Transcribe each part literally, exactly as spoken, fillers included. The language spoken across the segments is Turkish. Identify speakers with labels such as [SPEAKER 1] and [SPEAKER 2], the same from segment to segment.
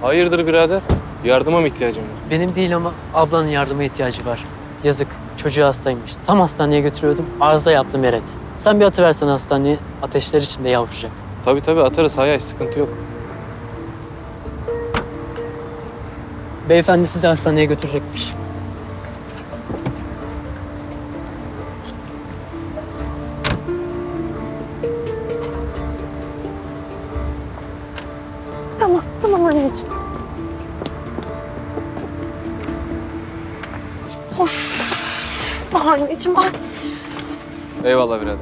[SPEAKER 1] Hayırdır birader? Yardıma mı ihtiyacın var?
[SPEAKER 2] Benim değil ama ablanın yardıma ihtiyacı var. Yazık. Çocuğu hastaymış. Tam hastaneye götürüyordum. Arıza yaptı Meret. Sen bir atıversen hastaneye. Ateşler içinde yavrucak.
[SPEAKER 1] Tabii tabii atarız Hayay, sıkıntı yok.
[SPEAKER 2] Beyefendi sizi hastaneye götürecekmiş.
[SPEAKER 3] Tamam, tamam anneciğim. Of. Ah anneciğim, ah.
[SPEAKER 1] Eyvallah birader.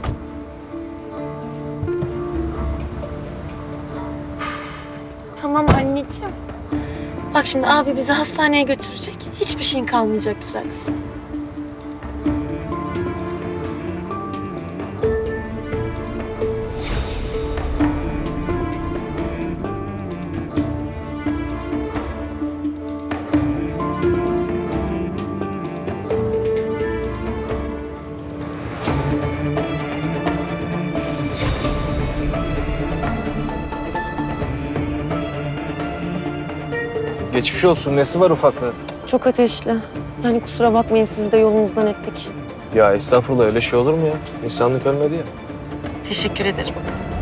[SPEAKER 3] Tamam anneciğim. Bak şimdi abi bizi hastaneye götürecek. Hiçbir şeyin kalmayacak güzel kızım.
[SPEAKER 1] Geçmiş olsun. Nesi var ufaklığı?
[SPEAKER 3] Çok ateşli. Yani kusura bakmayın sizi de yolunuzdan ettik.
[SPEAKER 1] Ya estağfurullah, öyle şey olur mu ya? İnsanlık ölmedi ya.
[SPEAKER 3] Teşekkür ederim.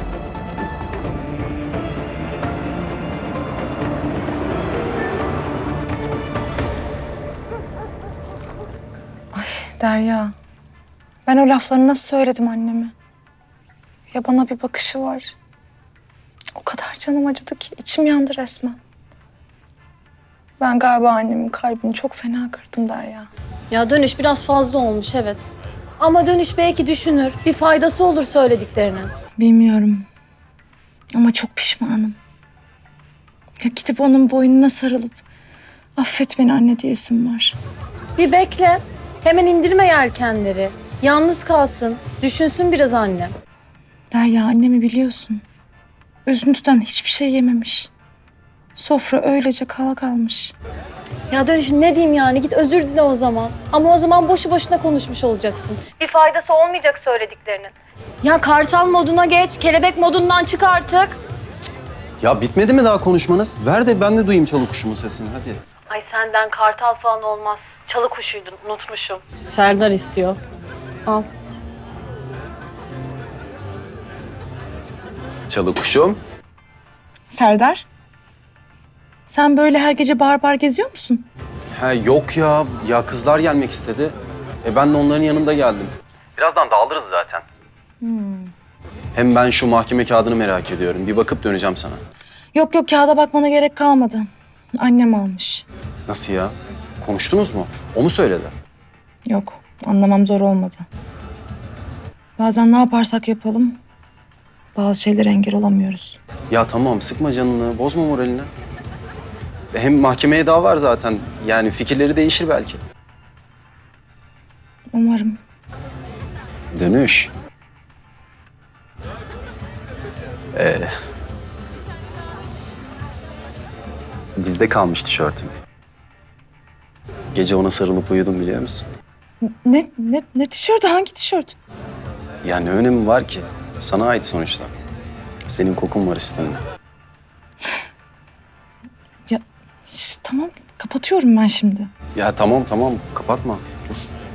[SPEAKER 4] Derya, ben o lafları nasıl söyledim anneme? Ya bana bir bakışı var. O kadar canım acıdı ki içim yandı resmen. Ben galiba annemin kalbini çok fena kırdım Derya.
[SPEAKER 5] Ya dönüş biraz fazla olmuş evet. Ama dönüş belki düşünür, bir faydası olur söylediklerinin.
[SPEAKER 4] Bilmiyorum ama çok pişmanım. Ya gidip onun boynuna sarılıp affet beni anne diyesim var.
[SPEAKER 5] Bir bekle, hemen indirme yelkenleri. Yalnız kalsın, düşünsün biraz annem.
[SPEAKER 4] Derya annemi biliyorsun. Üzüntüden hiçbir şey yememiş. Sofra öylece kala kalmış.
[SPEAKER 5] Ya dönüş ne diyeyim yani, git özür dile o zaman. Ama o zaman boşu boşuna konuşmuş olacaksın. Bir faydası olmayacak söylediklerinin. Ya kartal moduna geç, kelebek modundan çık artık.
[SPEAKER 6] Ya bitmedi mi daha konuşmanız? Ver de ben de duyayım çalı kuşumun sesini hadi.
[SPEAKER 5] Ay senden kartal falan olmaz. Çalı kuşuydun, unutmuşum. Serdar istiyor. Al.
[SPEAKER 6] Çalı kuşum.
[SPEAKER 4] Serdar, sen böyle her gece bağır bağır geziyor musun?
[SPEAKER 6] Ha yok ya. Ya kızlar gelmek istedi. E ben de onların yanında geldim. Birazdan dağılırız zaten. Hem ben şu mahkeme kağıdını merak ediyorum. Bir bakıp döneceğim sana.
[SPEAKER 4] Yok yok kağıda bakmana gerek kalmadı. Annem almış.
[SPEAKER 6] Nasıl ya? Konuştunuz mu? O mu söyledi?
[SPEAKER 4] Yok, anlamam zor olmadı. Bazen ne yaparsak yapalım, bazı şeylere engel olamıyoruz.
[SPEAKER 6] Ya tamam sıkma canını, bozma moralini. E, Hem mahkemeye daha var zaten. Yani fikirleri değişir belki.
[SPEAKER 4] Umarım.
[SPEAKER 6] Dönüş. Ee, bizde kalmış tişörtüm. Gece ona sarılıp uyudum biliyor musun?
[SPEAKER 4] Ne, ne, ne tişörtü? Hangi tişört?
[SPEAKER 6] Ya ne önemi var ki? Sana ait sonuçta. Senin kokun var üstünde.
[SPEAKER 4] Ya şş, tamam, kapatıyorum ben şimdi.
[SPEAKER 6] Ya tamam tamam kapatma. Dur.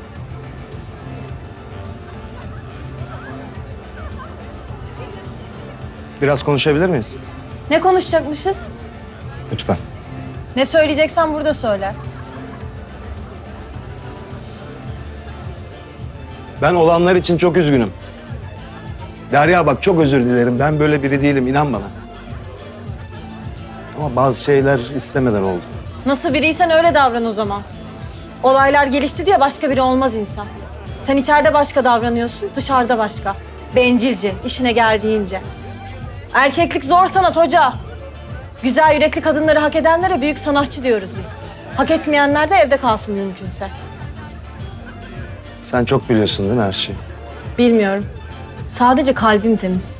[SPEAKER 7] Biraz konuşabilir miyiz?
[SPEAKER 5] Ne konuşacakmışız?
[SPEAKER 7] Lütfen.
[SPEAKER 5] Ne söyleyeceksen burada söyle.
[SPEAKER 7] Ben olanlar için çok üzgünüm. Derya bak çok özür dilerim. Ben böyle biri değilim, inan bana. Ama bazı şeyler istemeden oldu.
[SPEAKER 5] Nasıl biriysen öyle davran o zaman. Olaylar gelişti diye başka biri olmaz insan. Sen içeride başka davranıyorsun, dışarıda başka. Bencilce, işine geldiğince. Erkeklik zor sanat hoca. Güzel yürekli kadınları hak edenlere büyük sanatçı diyoruz biz. Hak etmeyenler de evde kalsın mümkünse.
[SPEAKER 7] Sen çok biliyorsun değil mi her şeyi?
[SPEAKER 5] Bilmiyorum. Sadece kalbim temiz.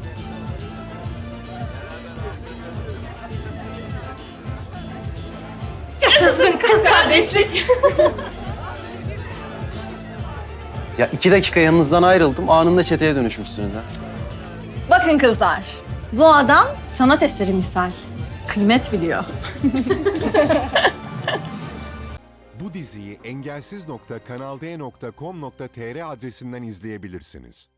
[SPEAKER 5] Yaşasın kız kardeşlik.
[SPEAKER 6] Ya iki dakika yanınızdan ayrıldım. Anında çeteye dönüşmüşsünüz ha.
[SPEAKER 5] Bakın kızlar, bu adam sanat eseri misal. kıymet biliyor.
[SPEAKER 8] Bu diziyi engelsiz nokta kanalde nokta com nokta tr adresinden izleyebilirsiniz.